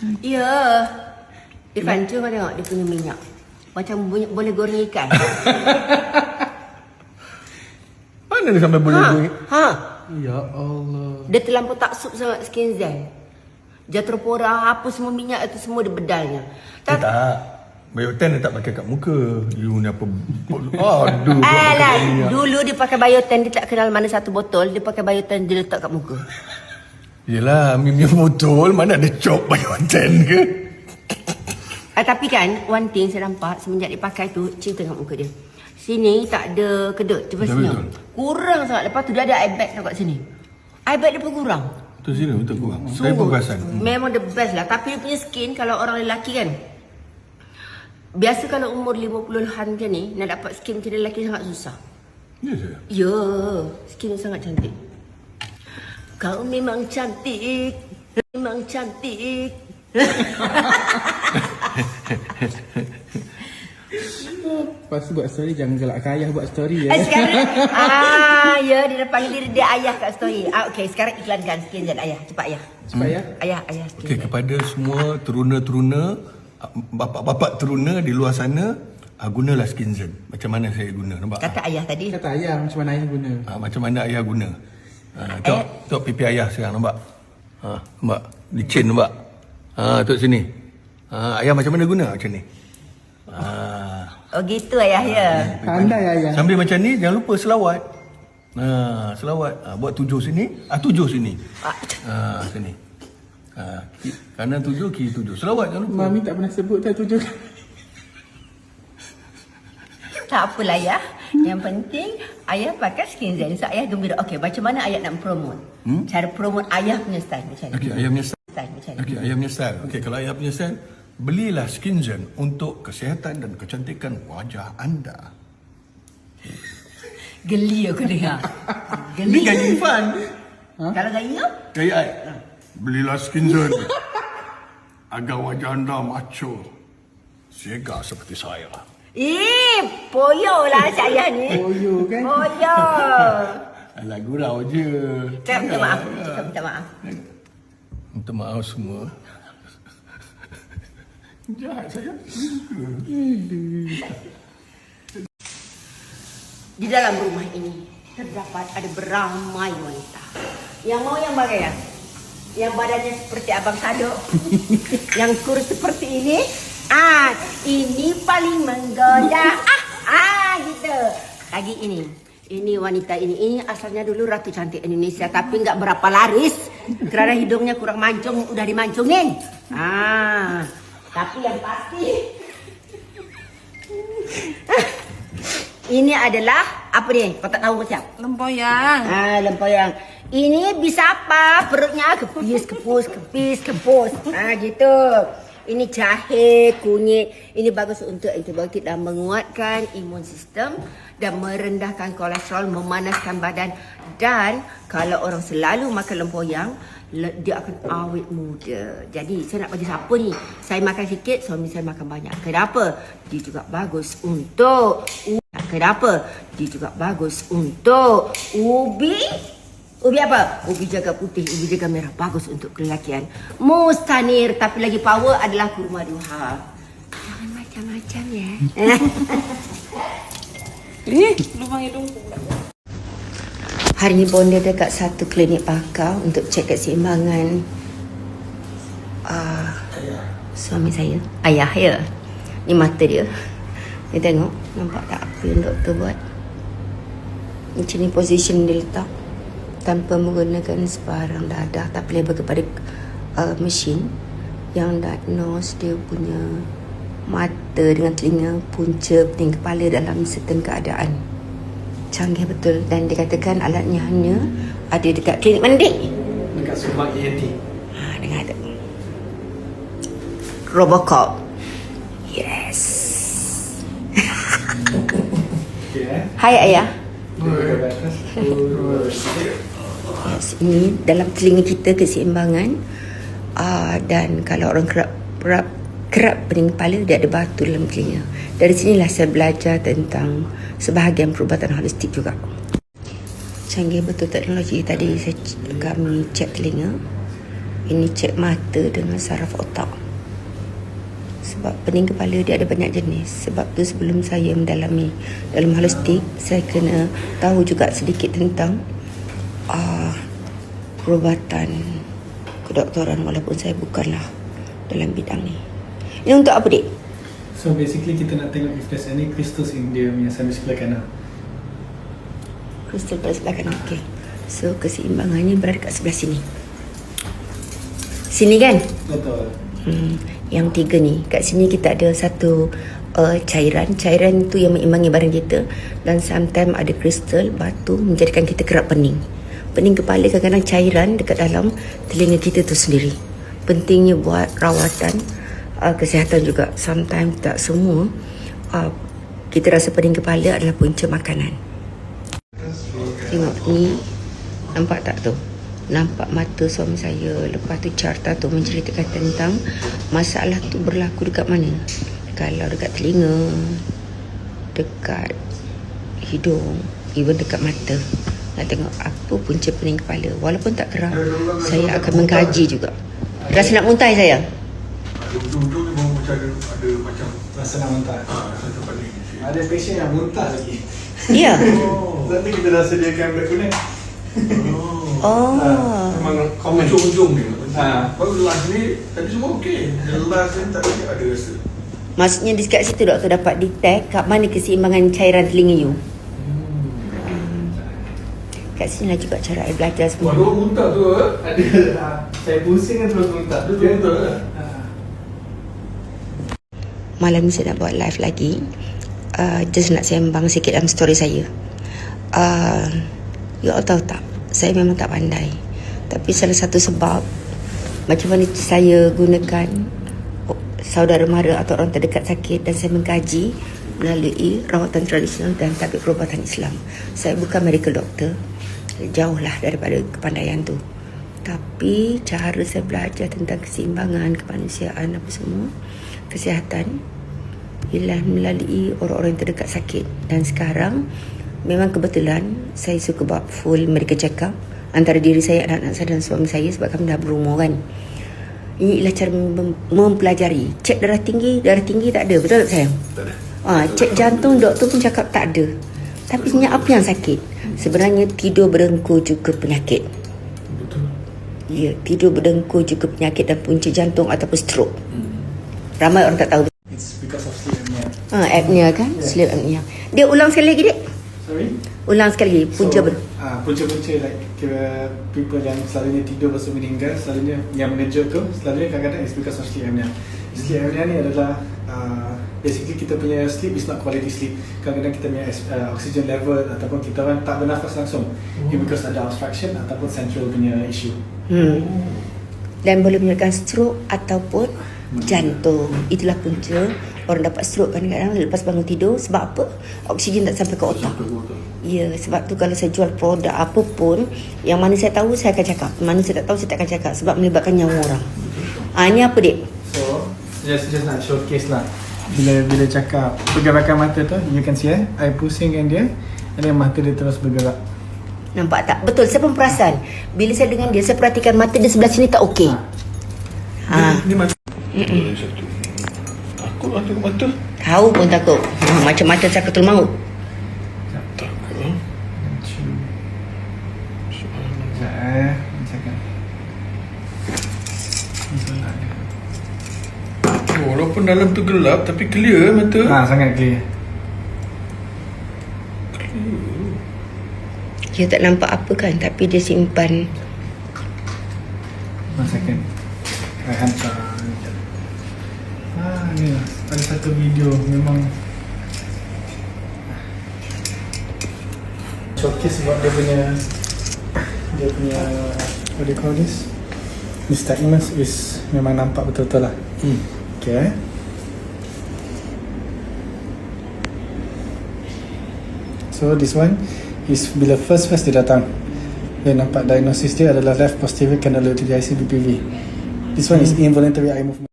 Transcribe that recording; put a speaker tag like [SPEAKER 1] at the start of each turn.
[SPEAKER 1] Ya. Irfan, cuba tengok dia punya minyak. Macam boleh goreng ikan.
[SPEAKER 2] Mana dia sampai boleh goreng?
[SPEAKER 1] Ha.
[SPEAKER 2] Ya Allah.
[SPEAKER 1] Dia terlampau taksub sangat Skin Zen. Jatropora, apa semua minyak itu semua dia bedalnya.
[SPEAKER 2] Tak. Biotin dia tak pakai kat muka. You ni apa? Aduh.
[SPEAKER 1] Alah, dulu dia pakai biotin, dia tak kenal mana satu botol, dia pakai biotin, dia letak kat muka.
[SPEAKER 2] Yelah, Mimi botol mana ada cop biotin ke?
[SPEAKER 1] Tapi kan, one thing saya nampak semenjak dia pakai tu, cerita kat muka dia. Sini tak ada kedut, cuba senyum. Kurang sangat. Lepas tu dia ada eye bag kat sini. Eye bag dia pun kurang.
[SPEAKER 2] Betul sini, betul kurang. Saya pun perasan.
[SPEAKER 1] Memang the best lah. Tapi dia punya skin, kalau orang lelaki kan, biasa kalau umur 50-an macam ni, nak dapat skin macam lelaki sangat susah.
[SPEAKER 2] Ya saya?
[SPEAKER 1] Ya, skin dia sangat cantik. Kau memang cantik, memang cantik.
[SPEAKER 3] Lepas tu buat story, jangan galakkan ayah buat story ya.
[SPEAKER 1] Sekarang, ya, dia panggil diri dia ayah kat story. Okey, sekarang iklankan Skin Zen ayah. Cepat ayah.
[SPEAKER 3] Cepat ya.
[SPEAKER 1] Ayah Skin
[SPEAKER 2] Okey,
[SPEAKER 1] Zen.
[SPEAKER 2] kepada semua teruna-teruna, bapak-bapak teruna di luar sana, gunalah Skin Zen. Macam mana saya guna, nampak?
[SPEAKER 1] Kata ayah tadi.
[SPEAKER 3] Kata ayah macam mana ayah guna.
[SPEAKER 2] Macam mana ayah guna. Tengok pipi ayah sekarang, nampak? Nampak? Licin, nampak? Tengok sini. Ayah macam mana guna macam ni?
[SPEAKER 1] Oh gitu ayah ya.
[SPEAKER 3] Pandai ayah.
[SPEAKER 2] Sambil macam ni, jangan lupa selawat. Selawat. Buat 7 sini. 7 sini. Sini. Kanan 7, kiri 7. Selawat jangan lupa.
[SPEAKER 3] Mami tak pernah sebut dah 7 kali.
[SPEAKER 1] Tak apalah ayah. Yang penting ayah pakai Skin Zen. So ayah gembira. Okey, macam mana ayah nak promote? Cara promote ayah punya style macam ni.
[SPEAKER 2] Okey, ayah punya style.
[SPEAKER 1] Macam ni.
[SPEAKER 2] Okey, ayah punya style. Okey, kalau ayah punya style, belilah Skin Zen untuk kesihatan dan kecantikan wajah anda.
[SPEAKER 1] Geli aku dengar.
[SPEAKER 2] Ini gaya Irfan.
[SPEAKER 1] Kalau gaya?
[SPEAKER 2] Gaya ai. Belilah Skin Zen agar wajah anda macho, segar seperti saya.
[SPEAKER 1] Poyo lah saya ni.
[SPEAKER 3] Poyo kan?
[SPEAKER 1] Poyo.
[SPEAKER 2] Alah, gurau je.
[SPEAKER 1] Cakap minta maaf. Cakap minta maaf.
[SPEAKER 2] Minta maaf semua. Jahat saya.
[SPEAKER 1] Di dalam rumah ini terdapat ada beramai wanita. Yang mau yang bagaimana? Yang badannya seperti Abang Sado. Yang kurus seperti ini. Ini paling menggoda. Gitu. Lagi ini. Ini wanita ini. Ini asalnya dulu Ratu Cantik Indonesia. Tapi nggak berapa laris. Kerana hidungnya kurang mancung. Udah dimancungin. Tapi yang pasti. Ini adalah. Apa ni? Kau tak tahu macam?
[SPEAKER 4] Lempoyang.
[SPEAKER 1] Lempoyang. Ini bisa apa? Perutnya kepis, kepus. Gitu. Ini jahe, kunyit. Ini bagus untuk antibiotik dan menguatkan imun sistem dan merendahkan kolesterol, memanaskan badan. Dan kalau orang selalu makan lempoyang, dia akan awet muda. Jadi saya nak bagi siapa ni? Saya makan sikit, suami saya makan banyak. Kenapa? Dia juga bagus untuk ubi. Ubi apa? Ubi jaga putih, ubi jaga merah. Bagus untuk kelelakian. Mustanir, tapi lagi power adalah kurma duha. Jangan macam-macam ya.
[SPEAKER 4] Ini lubang hidung.
[SPEAKER 1] Hari ni bonda dekat satu klinik pakar untuk cek keseimbangan suami saya. Ayah ya. Ni mata dia. Dia tengok. Nampak tak apa yang doktor buat? Macam ni position dia letak. Tanpa menggunakan sebarang dadah, tapi lebih kepada mesin yang diagnose dia punya mata dengan telinga, punca, pening kepala dalam certain keadaan. Canggih betul. Dan dikatakan alatnya hanya ada dekat klinik mandi.
[SPEAKER 3] Dekat Subang ENT.
[SPEAKER 1] Dengar ada Robocop. Yes. Hai ayah. Yes, ini dalam telinga kita keseimbangan. Dan kalau orang kerap pening kepala, dia ada batu dalam telinga. Dari sinilah saya belajar tentang sebahagian perubatan holistik juga. Canggih betul teknologi. Tadi kami cek telinga. Ini cek mata dengan saraf otak. Sebab pening kepala dia ada banyak jenis. Sebab tu sebelum saya mendalami dalam holistik, saya kena tahu juga sedikit tentang perubatan kedoktoran, walaupun saya bukanlah dalam bidang ni. Ini untuk apa, Dik?
[SPEAKER 3] So basically kita nak tengok if there's any crystals in dia punya sebelah kanan.
[SPEAKER 1] Kristal pada sebelah kanan. Okay. So keseimbangannya berada kat sebelah sini. Sini kan?
[SPEAKER 3] Betul.
[SPEAKER 1] Yang 3 ni. Kat sini kita ada satu cairan. Cairan tu yang mengimbangi badan kita. Dan sometimes ada kristal, batu menjadikan kita kerap pening. Pening kepala, kadang-kadang cairan dekat dalam telinga kita tu sendiri. Pentingnya buat rawatan kesihatan juga. Sometimes tak semua kita rasa pening kepala adalah punca makanan. Tengok ni, nampak tak tu? Nampak mata suami saya. Lepas tu carta tu menceritakan tentang masalah tu berlaku dekat mana. Kalau dekat telinga, dekat hidung, even dekat mata. Nak tengok apa punca pening kepala. Walaupun tak kerap, saya akan mengkaji juga. Rasa nak muntah saya?
[SPEAKER 2] Ada ujung-ujung ni baru macam ada macam
[SPEAKER 3] Rasa nak muntah.
[SPEAKER 2] rasa paling.
[SPEAKER 3] Ada patient yang muntah lagi.
[SPEAKER 1] Ya.
[SPEAKER 3] Nanti kita dah sediakan black connect.
[SPEAKER 1] Oh.
[SPEAKER 3] Memang common.
[SPEAKER 2] Ujung-ujung ni.
[SPEAKER 3] Ha.
[SPEAKER 2] Baru last ni, tapi semua okey. Yang last ni tak ada rasa.
[SPEAKER 1] Maksudnya di kat situ doktor dapat detect kat mana keseimbangan cairan telinga you. Kat sini lah juga cara I belajar
[SPEAKER 2] Wah,
[SPEAKER 1] semua.
[SPEAKER 2] dia muntah tu
[SPEAKER 3] Ada. Saya pusing kan terus muntah.
[SPEAKER 2] Betul betul lah.
[SPEAKER 1] Malam ni saya nak buat live lagi. Just nak sembang sikit dalam story saya. You all tahu tak, saya memang tak pandai. Tapi salah satu sebab macam mana saya gunakan saudara mara atau orang terdekat sakit, dan saya mengkaji melalui rawatan tradisional dan tabik perubatan Islam. Saya bukan medical doctor, jauhlah daripada kepandaian tu. Tapi cara saya belajar tentang keseimbangan, kemanusiaan, apa semua, kesihatan, ialah melalui orang-orang yang terdekat sakit. Dan sekarang memang kebetulan saya suka buat full medical check up antara diri saya, anak-anak saya dan suami saya, sebab kami dah berumur kan. Ini ialah cara mempelajari. Cek darah tinggi tak ada, betul tak sayang?
[SPEAKER 2] Tak ada.
[SPEAKER 1] Cek jantung, doktor pun cakap tak ada. Tapi sebenarnya apa yang sakit? Sebenarnya tidur berdengkur juga penyakit.
[SPEAKER 2] Betul.
[SPEAKER 1] Ya, tidur berdengkur juga penyakit dan punca jantung ataupun stroke. Ramai orang tak tahu.
[SPEAKER 3] It's because of sleep apnea.
[SPEAKER 1] Apnea kan? Yeah. Sleep apnea. Dia ulang sekali lagi, Dek.
[SPEAKER 3] Sorry?
[SPEAKER 1] Ulang sekali lagi. Punca
[SPEAKER 3] punca-punca like kira people yang selalunya tidur lepas tu meninggal, selalunya yang mengejut tu, selalunya kadang-kadang it's because of sleep apnea. Sleep apnea ni adalah basically kita punya sleep is not quality sleep. Kadang-kadang kita punya oxygen level ataupun kita orang tak bernafas langsung. Because ada obstruction ataupun central punya issue.
[SPEAKER 1] Dan boleh menyebabkan stroke ataupun jantung. Itulah punca orang dapat stroke kadang-kadang lepas bangun tidur. Sebab apa? Oksigen tak sampai ke otak. Ya, sebab tu kalau saya jual produk apa pun, yang mana saya tahu saya akan cakap, mana saya tak tahu saya tak akan cakap, sebab melibatkan nyawa orang. Ini apa, Dek?
[SPEAKER 3] So just nak showcase lah. Bila cakap pergerakan mata tu, you can see I pusingkan dia, dan mata dia terus bergerak.
[SPEAKER 1] Nampak tak? Betul, saya pun perasan. Bila saya dengan dia, saya perhatikan mata dia sebelah sini tak okey.
[SPEAKER 2] Ni mata. Satu. Takut lah tengok mata.
[SPEAKER 1] Tahu pun takut. Macam mata Sakratul Maut.
[SPEAKER 2] Takut. Walaupun dalam tu gelap, tapi clear mata.
[SPEAKER 3] Sangat clear.
[SPEAKER 1] Dia tak nampak apa kan, tapi dia simpan.
[SPEAKER 3] 1 second. I hantar. Ni lah. Ada satu video memang showcase sebab dia punya what do you call this? Nystagmus is memang nampak betul-betul lah. Okay. So this one is bila first dia datang, dia nampak diagnosis dia adalah left posterior candidiasis BPV. This one is involuntary eye movement.